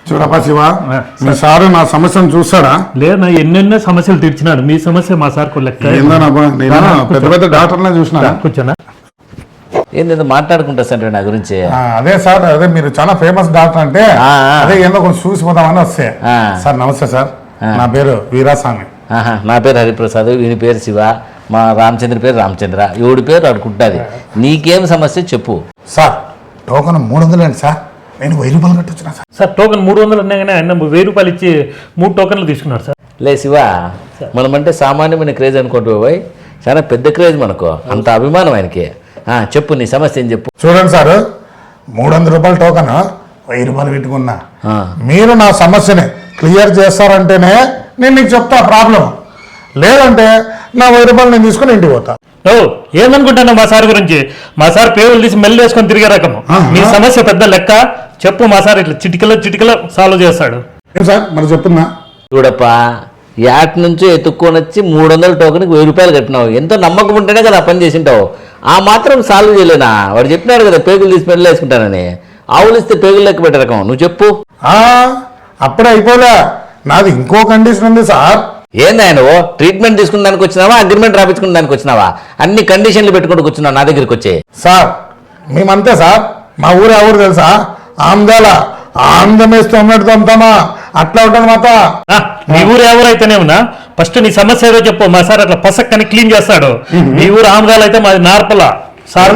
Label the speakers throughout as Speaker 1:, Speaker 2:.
Speaker 1: చూడపా శివ, మీ sir నా సమస్యను చూస్తాడా?
Speaker 2: లేదు, నా ఎన్నెన్నో సమస్యలు తీర్చినాడు. మీ సమస్య మా సార్కు లెక్క.
Speaker 1: ఏందోనబ్బా, నేను పెద్ద పెద్ద డాక్టర్నే చూసినా.
Speaker 2: కూర్చోనా?
Speaker 3: ఏందో మాట్లాడుకుంటా సార్ నా గురించి.
Speaker 1: అదే సార్, అదే మీరు చాలా ఫేమస్ డాక్టర్ అంటే అదే ఏందో కొంచెం చూసిపోదామని వస్తే. సార్ నమస్తే సార్, నా పేరు వీరాస్వామి.
Speaker 3: నా పేరు హరిప్రసాద్, వీని పేరు శివ, మా రామచంద్ర పేరు రామచంద్ర, ఈవిడి పేరు అడుకుంటుంది. నీకేం సమస్య చెప్పు.
Speaker 1: సార్ టోకన్ 300 అండి సార్, నేను 1000 రూపాయలు కట్టొచ్చిన సార్.
Speaker 2: సార్ టోకెన్ 300 అన్నా కానీ ఆయన 1000 రూపాయలు ఇచ్చి 3 టోకెన్లు తీసుకున్నాడు సార్.
Speaker 3: లే శివ, మనమంటే సామాన్యమైన క్రేజ్ అనుకుంటూ పోయి చాలా పెద్ద క్రేజ్ మనకు, అంత అభిమానం ఆయనకి. చెప్పు నీ సమస్య ఏం చెప్పు.
Speaker 1: చూడండి సార్, 300 రూపాయల టోకన్ 1000 రూపాయలు పెట్టుకున్నా. మీరు నా సమస్యని క్లియర్ చేస్తారంటేనే నేను నీకు చెప్తా ప్రాబ్లం, లేదంటే నా 1000 రూపాయలు నేను తీసుకుని ఇంటికి పోతా.
Speaker 2: ఓ ఏమనుకుంటున్నావు మా సార్ గురించి? మా సార్ పేర్లు తీసి మెల్లు వేసుకొని తిరిగే రకము. మీ సమస్య పెద్ద లెక్క చెప్పు. మా సార్ ఇట్లా చిటికలో సాల్వ్ చేస్తాడు.
Speaker 1: ఏం సార్ మరి చెప్తున్నా?
Speaker 3: చూడప్పా, యాట్ నుంచి ఎత్తుక్కొని వచ్చి 300 టోకెన్కి 1000 రూపాయలు కట్టినావు. ఎంతో నమ్మకం ఉంటేనే కదా పని చేసింటావు. ఆ మాత్రం సాల్వ్ చేయలేనా? వాడు చెప్పినాడు కదా పేగులు తీసి పెళ్ళి వేసుకుంటానని. ఆవులు ఇస్తే పేగులు లెక్క పెట్టే రకం. నువ్వు చెప్పు.
Speaker 1: అప్పుడే అయిపోలే, నాది ఇంకో కండిషన్ ఉంది సార్.
Speaker 3: ఏందా నువ్వు ట్రీట్మెంట్ తీసుకున్న దానికి వచ్చినావా, అగ్రిమెంట్ రాపించుకున్న దానికి వచ్చినావా? అన్ని కండిషన్లు పెట్టుకుంటూ కూర్చున్నావు నా దగ్గరికి వచ్చి.
Speaker 1: సార్ మేమంతే సార్, మా ఊరు ఎవరు తెలుసా? ఆంధ్రాల ఆంధ్రమేస్తూ అమ్మేడుతూ అమ్ముతామా, అట్లా ఉంటుంది మాత.
Speaker 2: మీ ఊరు ఎవరైతేనే ఉన్నా ఫస్ట్ నీ సమస్య ఏదో చెప్పు. మా సార్ అట్లా పసక్కని క్లీన్ చేస్తాడు. మీ ఊరు ఆంధ్రాలు అయితే మాది నార్పల సార్,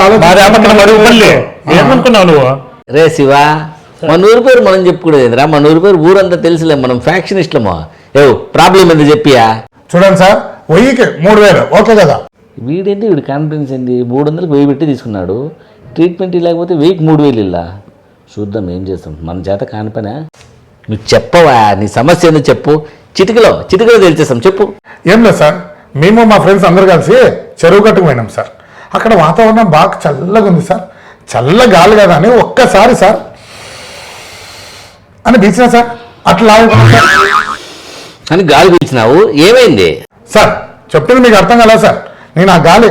Speaker 2: ఏమనుకున్నావు నువ్వు?
Speaker 3: రే శివ, మన ఊరి పేరు మనం చెప్పుకునేదిరా, మన ఊరి పేరు ఊరంతా తెలుసులే, మనం ఫ్యాక్షనిస్టులమో. ప్రాబ్లం ఏంది చెప్పియా?
Speaker 1: చూడండి సార్, 1000కి 3000 ఓకే కదా?
Speaker 3: వీడేంటి, వీడి కాన్ఫిడెన్స్ ఏంది? 300కి 1000 పెట్టి తీసుకున్నాడు. ట్రీట్మెంట్ లేకపోతే 1000కి 3000 ఇలా. చూద్దాం ఏం చేస్తాం, మన చేత కాని పనా. నువ్వు చెప్పవా నీ సమస్య ఏందో చెప్పు. చిటికలో తెలిచేస్తాం, చెప్పు.
Speaker 1: ఏం లేదు సార్, మేము మా ఫ్రెండ్స్ అందరు కలిసి చెరువు కట్టుకు పోయినాం సార్. అక్కడ వాతావరణం బాగా చల్లగా ఉంది సార్. చల్ల గాలి కదా అని ఒక్కసారి సార్ అని పీల్చినా సార్, అట్లా
Speaker 3: అని గాలి పీల్చినావు, ఏమైంది?
Speaker 1: సార్ చెప్పింది మీకు అర్థం కదా సార్. నేను ఆ గాలి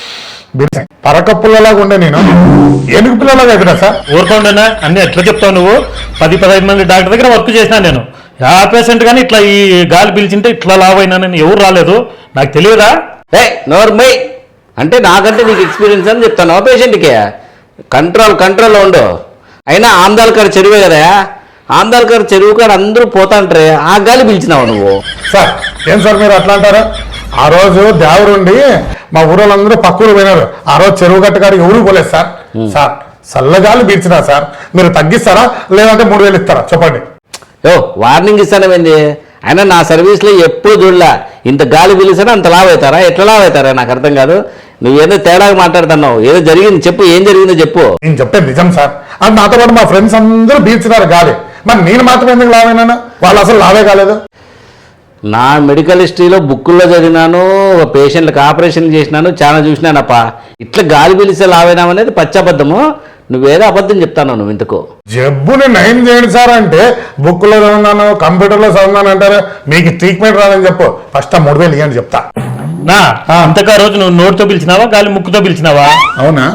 Speaker 1: పరక పుల్లలాగా ఉండే, నేను ఏనుగు పిల్లలాగా ఎదురా సార్.
Speaker 2: ఊరుకోండినా అన్ని ఎట్లా చెప్తావు నువ్వు? 10-15 మంది డాక్టర్ దగ్గర వర్క్ చేసినా నేను. ఆ పేషెంట్ కానీ ఇట్లా ఈ గాలి పీల్చింటే ఇట్లా లావ్ అయినానని ఎవరు రాలేదు, నాకు తెలియదా?
Speaker 3: నోర్మై అంటే నాకంటే నీకు ఎక్స్పీరియన్స్ అని చెప్తాను. పేషెంట్కి కంట్రోల్లో ఉండు. అయినా ఆందాల్కర్ చెరువే కదా, ఆందాల్కర్ చెరువు కాడ అందరూ పోతాంటారే, ఆ గాలి పిలిచినావు నువ్వు.
Speaker 1: సార్ ఏం సార్ మీరు అట్లా అంటారా? ఆ రోజు దేవుడుండి మా ఊరోళ్ళందరూ పక్కూరు పోయినారు. ఆ రోజు చెరువు గట్టుకాడికి ఎవరు పోలేదు సార్. సార్ చల్లగాలి పీల్చినా సార్, మీరు తగ్గిస్తారా లేదంటే 3000 ఇస్తారా చెప్పండి?
Speaker 3: వార్నింగ్ ఇస్తానమేంది? అయినా నా సర్వీస్లో ఎప్పుడు చూడలే ఇంత గాలి పీలిస్తారా అంత లావ్ అవుతారా, ఎట్లా లావ్ అవుతారా? నాకు అర్థం కాదు. నువ్వేదో తేడాగా మాట్లాడుతున్నావు. ఏదో జరిగింది చెప్పు, ఏం జరిగిందో చెప్పు.
Speaker 1: నేను చెప్పేది నిజం సార్. అది నాతో పాటు మా ఫ్రెండ్స్ అందరూ పీల్చినారు గాలి, మరి నేను మాత్రం ఎందుకు లావైనాను? వాళ్ళు అసలు లావే కాలేదు.
Speaker 3: నా మెడికల్ హిస్టరీలో బుక్కుల్లో చదివినాను, పేషెంట్లకు ఆపరేషన్ చేసినాను, చాలా చూసినానప్ప. ఇట్లా గాలి పీలిస్తే లావైనామనేది పచ్చబద్ధము. నువ్వేదో అబద్ధం చెప్తాను నువ్వు. ఇంతకు
Speaker 1: జబ్బుని నయం చేయండి సార్ అంటే బుక్లో చదువున్నాను, కంప్యూటర్లో చదువున్నాను అంటారు. మీకు ట్రీట్మెంట్ రాదని చెప్పు, ఫస్ట్ 3000 ఇవ్వండి చెప్తా.
Speaker 2: నా అంతకా రోజు నువ్వు నోటితో పిలిచినావా గాలి ముక్కుతో పిలిచినావా?
Speaker 1: అవునా?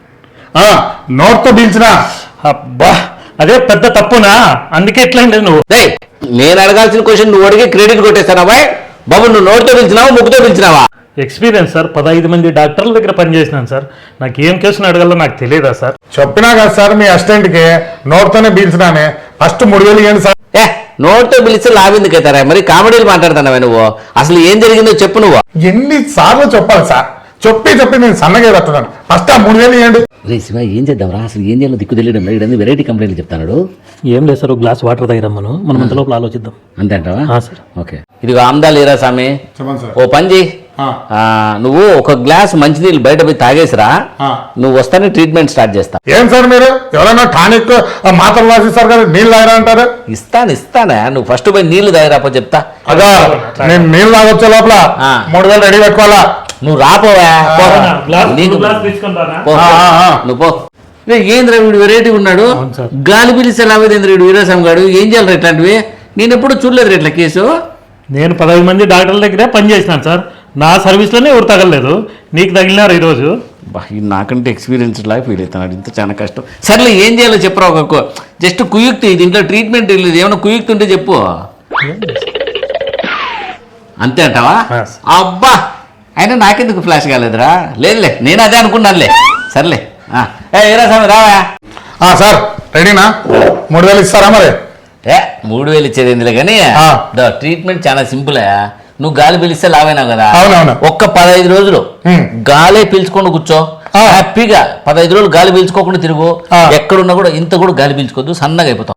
Speaker 1: నోట్తో పీల్చినా.
Speaker 2: అబ్బా అదే పెద్ద తప్పునా, అందుకే ఎట్లయింది నువ్వు.
Speaker 3: నేను అడగాల్సిన క్వశ్చన్ నువ్వు అడిగి క్రెడిట్ కొట్టేస్తానా బాబు? నువ్వు నోటితో పిలిచినావా ముక్కుతో పిలిచినావా?
Speaker 2: ఎక్స్పీరియన్స్ సార్, 15 మంది డాక్టర్ల దగ్గర పనిచేసినాను సార్. నాకు ఏం కేసును అడగాలో నాకు తెలియదా సార్?
Speaker 1: చెప్పినా కదా సార్ మీ అసిస్టెంట్కి నోట్తోనే పీల్చినానే, ఫస్ట్ 3000 ఇవ్వండి సార్.
Speaker 3: నోట్తో పిలిస్తే లావెందుకు అవుతారా? మరి కామెడీలు మాట్లాడుతున్నావా నువ్వు? అసలు ఏం జరిగిందో చెప్పు నువ్వు.
Speaker 1: ఎన్నిసార్లు చెప్పాలి సార్? చెప్పి నేను సన్నగా పెట్టున్నాను, ఫస్ట్ 3000 ఇవ్వండి.
Speaker 3: రే శివ, ఏం చేద్దాం రా? అసలు ఏం చేయాలో దిక్కు తెలియడం లేదు. ఇవన్నీ వెరైటీ కంప్లైంట్లు చెప్తాడు.
Speaker 2: ఏం లేదు సార్, ఒక గ్లాస్ వాటర్ తాగిరమ్మను, మనం అంత లోపల ఆలోచిద్దాం.
Speaker 3: అంతే అంటావా?
Speaker 2: Sir
Speaker 3: okay. ఇదిగో ఆమ్దా లేరా స్వామి, ఓ పని చేయి. నువ్వు ఒక గ్లాస్ మంచినీళ్ళు బయట పోయి తాగేసిరా, నువ్వు వస్తానే ట్రీట్మెంట్ స్టార్ట్ చేస్తా.
Speaker 1: ఏం సార్ మీరు ఎవరైనా టానిక్ మాత్రలు రాసిస్తారు కదా, నీళ్ళు తాగరా అంటారు?
Speaker 3: ఇస్తానా, నువ్వు ఫస్ట్ పోయి నీళ్లు తాగిరాపో చెప్తా.
Speaker 1: అదా నేను నీళ్ళు తాగొచ్చే లోపల 3000 రెడీ పెట్టుకోవాలా?
Speaker 3: నువ్వు రాపోవా, నువ్వు పో. ఏంద్ర వీడు వెరైటీ ఉన్నాడు, గాలి పిలిస్తే లావేంద్ర వీడు వీరాస్వామి గారు. ఏం చేయాలి ఇట్లాంటివి? నేను ఎప్పుడు చూడలేదు ఇట్లా కేసు.
Speaker 2: నేను 15 మంది డాక్టర్ల దగ్గర పనిచేసినాను సార్. నా సర్వీస్లోనే ఎవరు తగలలేదు, నీకు తగిలినారు ఈరోజు.
Speaker 3: బా ఇది నాకంటే ఎక్స్పీరియన్స్ లాగా ఫీల్ అవుతున్నాడు, ఇంత చాలా కష్టం. సర్లే ఏం చేయాలో చెప్పరా, ఒక జస్ట్ కుయుక్తి, దీంట్లో ట్రీట్మెంట్ లేదు, ఏమైనా కుయుక్తి ఉంటే చెప్పు. అంతే అంటావా?
Speaker 2: Yes.
Speaker 3: అబ్బా అయినా నాకెందుకు ఫ్లాష్ కాలేదురా? లేదులే, నేను అదే అనుకున్నానులే. సర్లే ఏరా స్వామి రావా.
Speaker 1: సార్ రెడీనా? 3000 ఇస్తారా మరి?
Speaker 3: 3000 ఇచ్చేది ఎందులో కానీ
Speaker 1: ఆ.
Speaker 3: ట్రీట్మెంట్ చాలా సింపుల్. నువ్వు గాలి పీలిస్తే లావైనావు కదా,
Speaker 1: అవునవును.
Speaker 3: ఒక్క 15 రోజులు గాలే పీల్చుకొని కూర్చో,
Speaker 1: ఆ.
Speaker 3: హ్యాపీగా 15 రోజులు గాలి పీల్చుకోకుండా తిరుగు.
Speaker 1: ఆ.
Speaker 3: ఎక్కడున్నా కూడా ఇంత కూడా గాలి పీల్చుకోవద్దు, సన్నగా అయిపోతాం.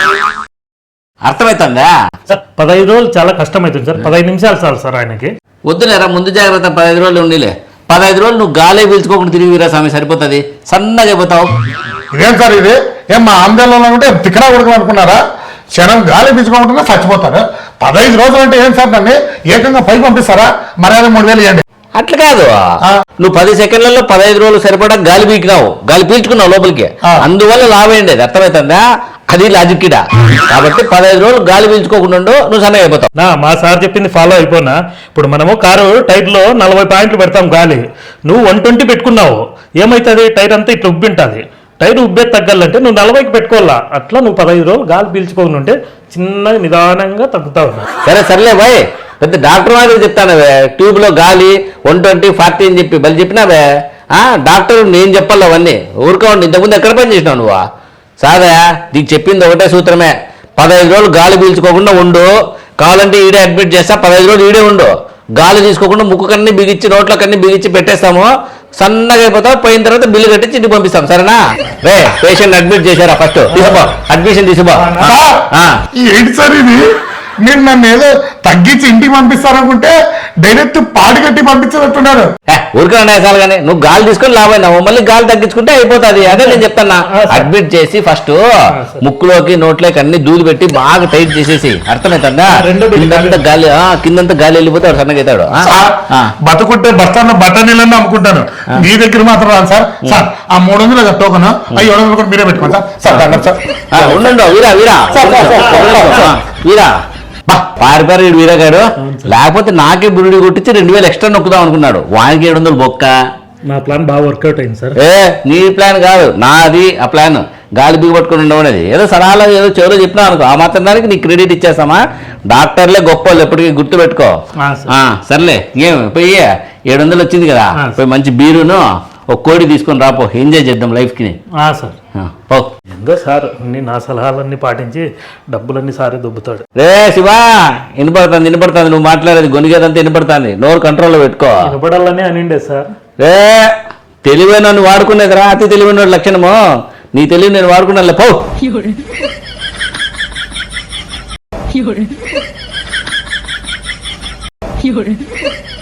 Speaker 3: అర్థమవుతుందా?
Speaker 2: సార్ 15 రోజులు చాలా కష్టమవుతుంది సార్, 15 నిమిషాలు చాలు సార్ ఆయనకి.
Speaker 3: వద్దులేరా, ముందు జాగ్రత్త, 15 రోజులు ఉండిలే. 15 రోజులు నువ్వు గాలే పీల్చుకోకుండా తిరిగిరా స్వామి, సరిపోతుంది, సన్నగా అయిపోతావు.
Speaker 1: ఇదేం సార్ ఇది? ఏం మా ఆందోళన ఉంటే తిక్కడా కొడుకు అనుకున్నారా? క్షణం గాలి పీల్చుకోకుండా చచ్చిపోతారు. 15 రోజులు అంటే ఏం సార్, నన్ను ఏకంగా పైకి పంపిస్తారా? మర్యాద 3000 ఇవ్వండి.
Speaker 3: అట్లా కాదు, నువ్వు 10 సెకండ్లలో 15 రోజులు సరిపడా గాలి పీకినావు, గాలి పీల్చుకున్నావు లోపలికి,
Speaker 1: ఆ.
Speaker 3: అందువల్ల లావేయండి. అది అర్థమవుతుందా? అది లాజిక్ ఇడా. కాబట్టి 15 రోజులు గాలి పీల్చుకోకుండా ఉండు, నువ్వు సన్నగా అయిపోతావు.
Speaker 2: మా సార్ చెప్పింది ఫాలో అయిపోనా? ఇప్పుడు మనము కారు టైర్లో 40 పాయింట్లు పెడతాం గాలి, నువ్వు 120 పెట్టుకున్నావు, ఏమవుతుంది? టైర్ అంతా ఇట్లా ఉబ్బింటుంది. టైర్ ఉబ్బే తగ్గాలంటే నువ్వు 40కి పెట్టుకోవాలా. అట్లా నువ్వు 15 రోజులు గాలి పీల్చుకోకుండా ఉంటే చిన్నగా నిదానంగా తగ్గుతావు.
Speaker 3: సర్లే బాయ్, పెద్ద డాక్టర్ మాదిరి చెప్తానవే, ట్యూబ్ లో గాలి 120, 40 అని చెప్పి బలి చెప్పినావే. డాక్టర్ నేను చెప్పాలి అవన్నీ, ఊరుకోండి. ఇంతకుముందు ఎక్కడ పని చేసినావు నువ్వు? సాదా నీకు చెప్పింది ఒకటే సూత్రమే, 15 రోజులు గాలి పీల్చుకోకుండా ఉండు. కావాలంటే ఈడే అడ్మిట్ చేస్తా, 15 రోజులు ఈడే ఉండు. గాలి తీసుకోకుండా ముక్కు కన్నీ బిగించి, నోట్ల కన్నీ బిగించి పెట్టేస్తాము, సన్నగా అయిపోతావు. పోయిన తర్వాత బిల్లు కట్టించి ఇంటికి పంపిస్తాం, సరేనా? రే పేషెంట్ అడ్మిట్ చేశారా? ఫస్ట్ తీసుకో, అడ్మిషన్ తీసుకో.
Speaker 1: ఏంటి సార్ ఇది? మీరు నన్ను ఏదో తగ్గించి ఇంటికి పంపిస్తారనుకుంటే డైరెక్ట్ పాడి కట్టి పంపించినట్టున్నారు.
Speaker 3: ఊరికే నేసాలు కానీ నువ్వు గాలి తీసుకొని లాభైనావు, మళ్ళీ గాలి తగ్గించుకుంటే అయిపోతుంది. అదే నేను చెప్తానా, అడ్మిట్ చేసి ఫస్ట్ ముక్కులోకి నోట్లోకి అన్ని దూలు పెట్టి బాగా టైట్ చేసేసి, అర్థమవుతుందా? కిందంతా గాలి వెళ్ళిపోతే వాడు సన్నగా అవుతాడు.
Speaker 1: బతుకుంటే బస్తాను బట్టనీళ్ళని అమ్ముకుంటాను, మీ దగ్గర మాత్రం రాను సార్. సార్ ఆ 300 టోకన్, 700 కూడా మీరే పెట్టుకోండి సార్. సార్ దండం సార్.
Speaker 3: ఉండండి వీరా పారిపారు వీరా గారు, లేకపోతే నాకే బురుడి కొట్టించి 2000 ఎక్స్ట్రా నొక్కుదాం అనుకున్నాడు. వానికి 700 బొక్క.
Speaker 2: నా ప్లాన్ బాగా వర్కౌట్ అయింది సార్.
Speaker 3: నీ ప్లాన్ కాదు, నాది ఆ ప్లాన్. గాలి బిగి పట్టుకుని ఉండవనేది ఏదో సలహాలో ఏదో చెవులో చెప్పినా అనుకో, ఆ మాత్రం దానికి నీ క్రెడిట్ ఇచ్చేస్తామా? డాక్టర్లే గొప్ప వాళ్ళు, ఎప్పటికీ గుర్తు పెట్టుకో. సర్లే, ఏం పోయి 700 వచ్చింది కదా, పోయి మంచి బీరును ఒక కోడి తీసుకొని రాపో, ఎంజాయ్ చేద్దాం లైఫ్కి.
Speaker 2: సార్ ఎందో సార్ అన్ని నా సలహాలన్నీ పాటించి డబ్బులన్నీ సారే దొబ్బుతాడు.
Speaker 3: రే శివా, వినపడుతుంది నువ్వు మాట్లాడేది, గొనిగేదంతా వినపడుతుంది, నోరు కంట్రోల్లో పెట్టుకో.
Speaker 2: వినపడాలని అనిండే సార్.
Speaker 3: రే తెలివైన వాడుకునేదిరా, అతి తెలివైన లక్షణము. నీ తెలివి నేను వాడుకున్నా పో.